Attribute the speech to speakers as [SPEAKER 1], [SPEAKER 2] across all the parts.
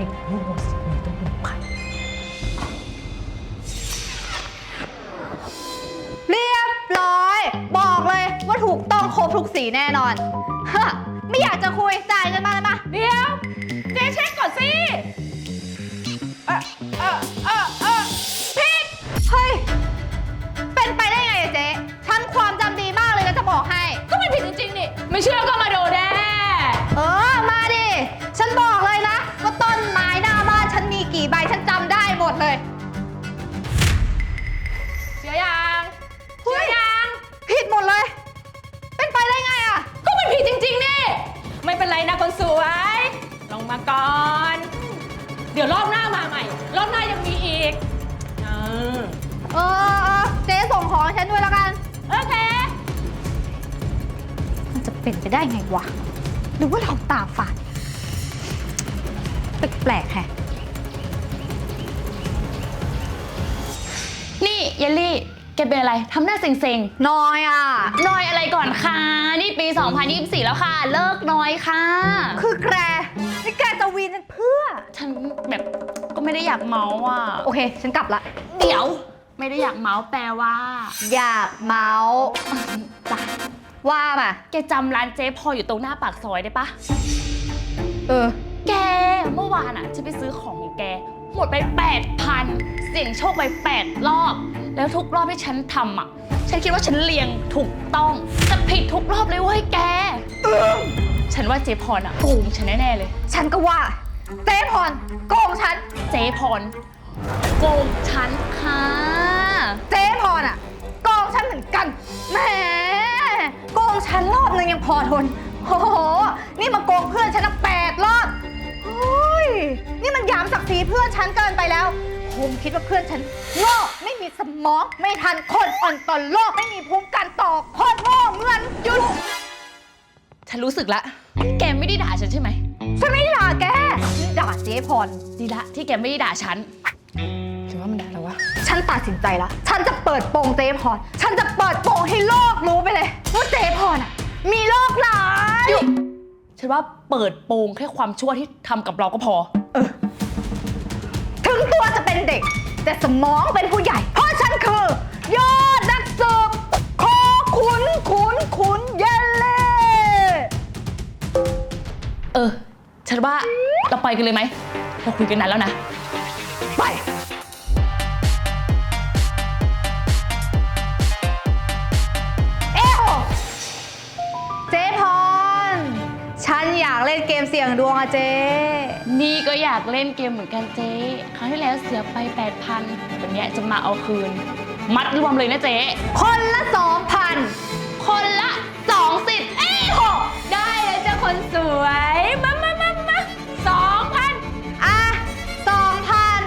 [SPEAKER 1] รู้ว่าสีนี้ต้องเป็นใคร
[SPEAKER 2] เรียบร้อย บอกเลยว่าถูกต้องครบทุกสีแน่นอนฮะไม่อยากจะคุยจ่ายเงินมาเลยมา
[SPEAKER 1] เดี๋ยวเจ๊เช็คก่อนสิ
[SPEAKER 2] ผิดเฮ้ยเป็นไปได้ไงอะเจ๊ฉันความจำดีมากเลยนะจะบอกให้
[SPEAKER 1] ก็ไม่ผิดจริงๆนี่ไม่เชื่อก็มาดูแน่
[SPEAKER 2] มาดิฉันบอกเลยนะว่าต้นไม้หน้าบ้านฉันมีกี่ใบฉันจำได้หมดเลย
[SPEAKER 1] เชื่อยังเชื่อยัง
[SPEAKER 2] ผิดหมดเลยเป็นไปได้ไงอะ
[SPEAKER 1] ก็ไม่ผิดจริงๆนี่ไม่เป็นไรนะคนสวยลงมาก่อนเดี๋ยวรอบหน้ามาใหม่รอบหน้ายังมีอีก
[SPEAKER 2] เจ๊ส่งของฉันด้วยแล้วกัน
[SPEAKER 1] โอเค
[SPEAKER 2] มันจะเป็นไปได้ไงวะหรือว่าเราตาฝาดแปลกๆแฮะ
[SPEAKER 1] นี่เยลลี่แกเป็นอะไรทำหน้าเซ็ง
[SPEAKER 2] ๆน้อยอ่ะ
[SPEAKER 1] น้อยอะไรก่อนคะนี่ปี 2024 แล้วค่ะเลิกน้อยค่ะ
[SPEAKER 2] คือแกนี่แกจะวีนฉันเพื่อ
[SPEAKER 1] ฉันแบบก็ไม่ได้อยากเมาส์อ่ะ
[SPEAKER 2] โอเคฉันกลับละ
[SPEAKER 1] เดี๋ยวไม่ได้อยากเมาส์แปลว่า
[SPEAKER 2] อยากเมาส์
[SPEAKER 1] จ้ะ
[SPEAKER 2] ว่ามา
[SPEAKER 1] แกจำร้านเจ๊พออยู่ตรงหน้าปากซอยได้ปะแกเมื่อวานอ่ะฉันไปซื้อของของแกหมดไป 8,000 เสี่ยงโชคไป8 รอบแล้วทุกรอบที่ฉันทำอ่ะฉันคิดว่าฉันเรียงถูกต้องแต่ผิดทุกรอบเลยเว้ยแกฉันว่าเจ๊พรอ่ะโกงฉันแน่ๆเลย
[SPEAKER 2] ฉันก็ว่าเจ๊พรโกงฉัน
[SPEAKER 1] เจ๊พรโกงฉันค่ะ
[SPEAKER 2] เจ๊พรอ่ะโกงฉันเหมือนกันแหมโกงฉันรอบนึงยังพอทนโอ้โหนี่มาโกงเพื่อนฉัน8 รอบโอ้ยนี่มันหยามศักดิ์ศรีเพื่อนฉันเกินไปแล้วคงคิดว่าเพื่อนฉันโง่ไม่มีสมองไม่ทันคนอ่อนต่อโลกไม่มีภูมิกันต่อโคตรโง่เหมือนยุด
[SPEAKER 1] ฉันรู้สึกละแกไม่ได้ด่าฉันใช่ไหม
[SPEAKER 2] ฉันไม่ได้ด่าแกนี่ด่าเจ๊พร
[SPEAKER 1] ดีละที่แกไม่ได้ด่าฉันหรือว่ามันด่าเราวะ
[SPEAKER 2] ฉันตัดสินใจแล้วฉันจะเปิดโปงเจ๊พรฉันจะเปิดโปงให้โลกรู้ไปเลยว่าเจ๊พรอ่ะมีโลกหลาย
[SPEAKER 1] ฉันว่าเปิดโปงแค่ความชั่วที่ทำกับเราก็พอ
[SPEAKER 2] ถึงตัวจะเป็นเด็กแต่สมองเป็นผู้ใหญ่เพราะฉันคือยอดนักสืบโคขุนเยลเล่
[SPEAKER 1] ฉันว่าเราไปกันเลยไหมเราคุยกันนานแล้วนะ
[SPEAKER 2] ไปเจ๊พรฉันอยากเล่นเกมเสี่ยงดวงอะเจ๊
[SPEAKER 1] นี่ก็อยากเล่นเกมเหมือนกันเจ๊ครั้งที่แล้วเสียไป 8,000 วันนี้จะมาเอาคืนมัดรวมเลยนะเจ๊
[SPEAKER 2] คนละ 2,000
[SPEAKER 1] คนละ2 สิทธิ์ได้เลยจ้ะคนสวยมา2,000
[SPEAKER 2] อ่ะ 2,000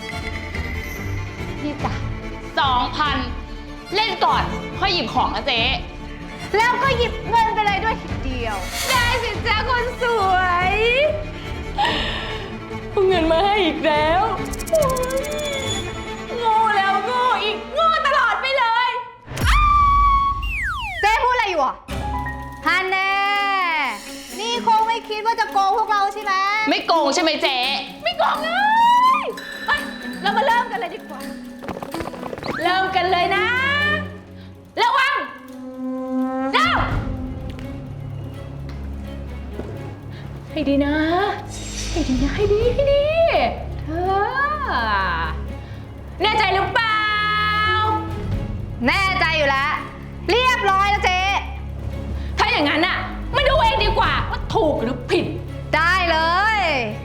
[SPEAKER 1] นี่จ้ะ 2,000 เล่นก่อนค่อยหยิบของนะเจ๊
[SPEAKER 2] แล้วก็หยิบเงินไปเลยด้วยทีเดียว
[SPEAKER 1] ได้สิจ้ะคนสวยเอาเงินมาให้อีกแล้วโง่แล้วโง่อีกโง่ตลอดไปเลย
[SPEAKER 2] เจ๊พูดอะไรอยู่อ่ะฮันแน่นี่คงไม่คิดว่าจะโกงพวกเราใช่ไหม
[SPEAKER 1] ไม่โกงใช่ไหมเจ๊ไม่โกงเลยเรามาเริ่มกันเลยดีกว่าเริ่มกันเลยนะระวังเริ่มให้ดีนะให้ดีนะให้ดีเธอแน่ใจหรือเปล่า
[SPEAKER 2] แน่ใจอยู่แล้วเรียบร้อยแล้วเจ๊
[SPEAKER 1] ถ้าอย่างนั้นน่ะมาดูเองดีกว่าว่าถูกหรือผิด
[SPEAKER 2] ได้เลย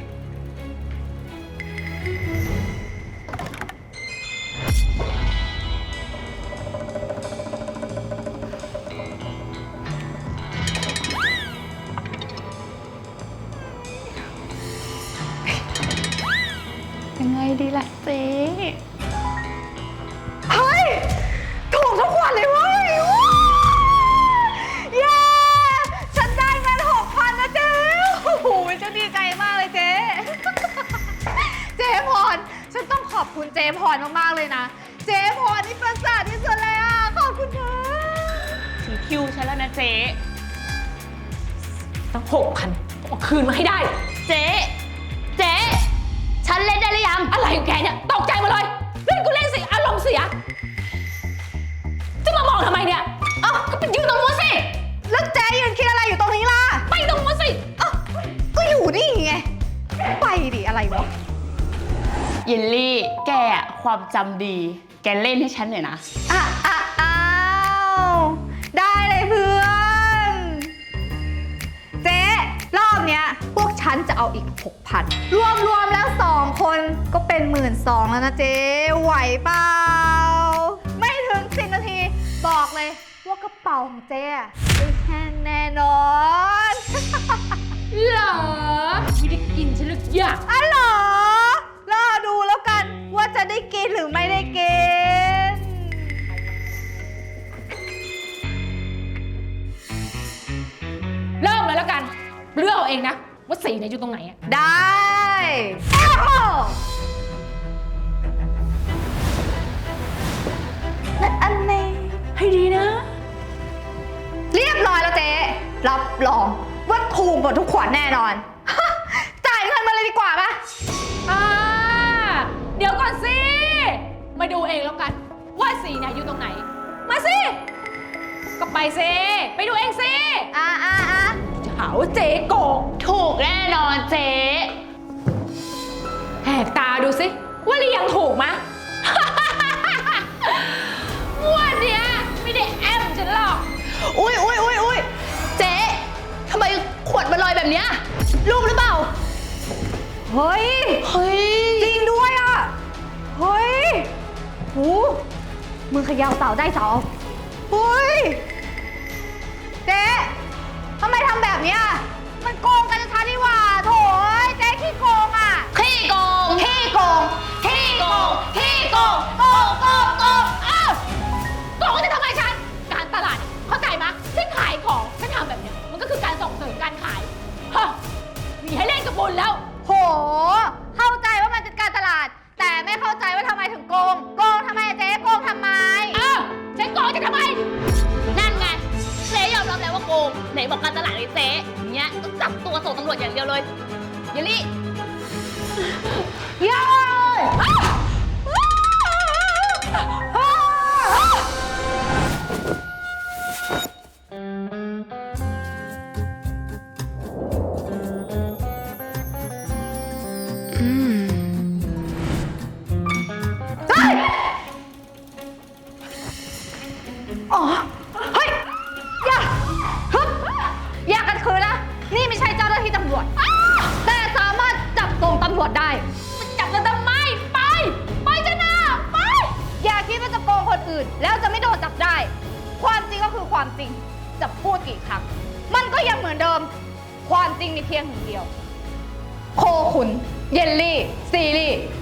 [SPEAKER 1] ยังไงดีล่ะเจ๊
[SPEAKER 2] เฮ้ยถูกทุกวันเลยเว้ยเย้ฉันได้เงิน 6,000 นะเจ๊โอ้โหฉันดีใจมากเลยเจ๊เจ๊พรฉันต้องขอบคุณเจ๊พรมากๆเลยนะเจ๊พรนี่ประเสริฐที่สุดเลยอ่ะขอบคุณนะ
[SPEAKER 1] ถึงคิวฉันแล้วนะเจ๊ต้อง 6,000 เอาคืนมาให้ได้เจ๊
[SPEAKER 2] อ
[SPEAKER 1] เยลลี่ แกอะความจำดี แกเล่นให้ฉันหน่อยนะ
[SPEAKER 2] อ้าวได้เลยเพื่อน เจ๊รอบเนี้ยพวกฉันจะเอาอีก 6,000 รวมแล้ว 2 คนก็เป็น 12,000 แล้วนะเจ๊ไหวเปล่า ไม่ถึง10 นาที บอกเลยว่ากระเป๋าของเจ๊อะได้แห้งแน่นอน
[SPEAKER 3] เหรอไม่ได้กินฉันหรือยัง
[SPEAKER 2] อ๋อเหรอรอดูแล้วกันว่าจะได้กินหรือไม่ได้กิน
[SPEAKER 3] เริ่มเลยแล้วกันเลือกเอาเองนะว่าสีไหนอยู่ตรงไหนอะ
[SPEAKER 2] ได้โอ้โหและอันนี้
[SPEAKER 3] ให้ดีนะ
[SPEAKER 2] เรียบร้อยแล้วเจ๊รับรองว่าถูกหมดทุกขวดแน่นอน จ่ายเงินมาเลยดีกว่าปะ
[SPEAKER 3] เดี๋ยวก่อนสิ มาดูเองแล้วกันว่าสีไหนอยู่ตรงไหน มาสิ ก็ไปสิ ไปดูเองสิ จะหาว่าเจ๊โกง
[SPEAKER 1] ถูกแน่นอนเจ๊
[SPEAKER 3] แหกตาดูสิว่าเรียงถูกมะ วันเนี้ยไม่ได้แอมฉันหรอก
[SPEAKER 1] อุ๊ย เจ๊ทำไมขวดมันลอยแบบเนี้ยรูปหรือเปล่า
[SPEAKER 2] เฮ้ย
[SPEAKER 1] เฮ้ย
[SPEAKER 2] จริงด้วยอ่ะ เฮ้ยหูมึงเขยาวเสาได้เสาเฮ้ย เจ๊ทำไมทำแบบเนี้ยมันโกงกันชัดๆนี่หว่าโถยเจ๊ขี้โกงอ่ะ
[SPEAKER 1] ขี้โกง
[SPEAKER 2] ขี้โกง
[SPEAKER 1] ขี้โกง ขี้โกง
[SPEAKER 2] โกง
[SPEAKER 3] อ้าวโกงจะทำไมฉัน การตลาดเนี่ยเข้าใจมะฉันขายของฉันทำแบบเนี้ยมันก็คือการส่งเสริมการขายฮะมีให้เล่นกับบุญแล้ว
[SPEAKER 2] โห เข้าใจว่ามันเป็นการตลาด แต่ไม่เข้าใจว่าทำไมถึงโกง โกงทำไมอะเจ๊โกงทำไม
[SPEAKER 3] อ้าวฉันโกงจะทำไม
[SPEAKER 1] นั่นไงเจ๊ยอมรับแล้วว่าโกง ไหนบอกการตลาดเลยเจ๊อย่างเงี้ยต้องจับตัวส่งตำรวจอย่างเดียวเลยเยลลี่
[SPEAKER 2] เย้ยอ๋อ เฮ้ย อย่าฮึบอย่ากันคืนนะ นี่ไม่ใช่เจ้าหน้าที่ตำรวจ แต่สามารถจับส่งตำรวจได้
[SPEAKER 3] จับกันทำไม ไป ไปจะนาไป
[SPEAKER 2] อย่าคิดว่าจะโกงคนอื่น แล้วจะไม่โดนจับได้ ความจริงก็คือความจริง จะพูดกี่ครั้ง มันก็ยังเหมือนเดิม ความจริงมีเพียงหนึ่งเดียว โคขุน เยลลี่ ซีรีส์